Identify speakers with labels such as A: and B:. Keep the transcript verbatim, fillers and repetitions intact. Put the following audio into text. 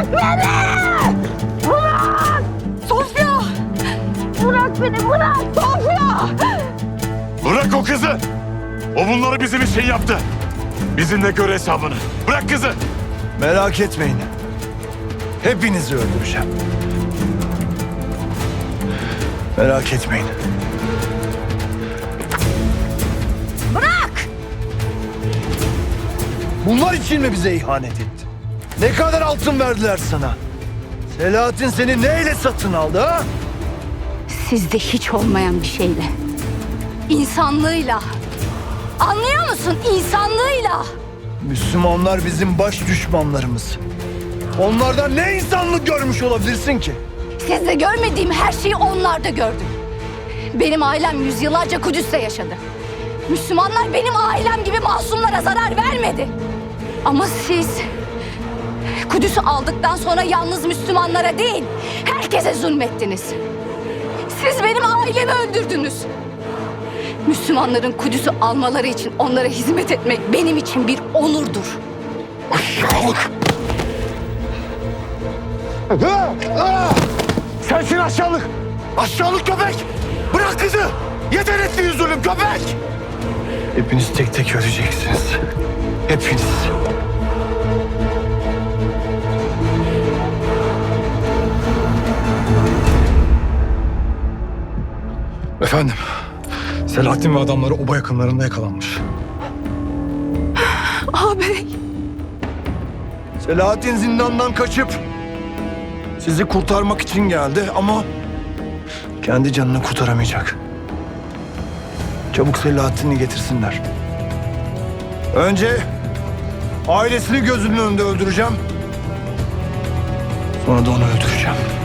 A: Beni! Bırak! Sofya! Bırak beni, bırak! Sofya!
B: Bırak o kızı! O bunları bizim için yaptı. Bizimle gör hesabını. Bırak kızı!
C: Merak etmeyin. Hepinizi öldüreceğim. Merak etmeyin.
A: Bırak!
C: Bunlar için mi bize ihanet etti? Ne kadar altın verdiler sana? Selahattin seni neyle satın aldı ha?
A: Sizde hiç olmayan bir şeyle. İnsanlığıyla. Anlıyor musun? İnsanlığıyla.
C: Müslümanlar bizim baş düşmanlarımız. Onlardan ne insanlık görmüş olabilirsin ki?
A: Sizde görmediğim her şeyi onlarda gördüm. Benim ailem yüzyıllarca Kudüs'te yaşadı. Müslümanlar benim ailem gibi masumlara zarar vermedi. Ama siz Kudüs'ü aldıktan sonra yalnız Müslümanlara değil, herkese zulmettiniz. Siz benim ailemi öldürdünüz. Müslümanların Kudüs'ü almaları için onlara hizmet etmek benim için bir onurdur.
C: Aşağılık! Sensin aşağılık! Aşağılık köpek! Bırak kızı! Yeter ettiğin zulüm köpek! Hepiniz tek tek öleceksiniz. Hepiniz. Efendim, Selahattin ve adamları oba yakınlarında yakalanmış.
A: Ağabey.
C: Selahattin zindandan kaçıp sizi kurtarmak için geldi ama kendi canını kurtaramayacak. Çabuk Selahattin'i getirsinler. Önce ailesini gözünün önünde öldüreceğim. Sonra da onu öldüreceğim.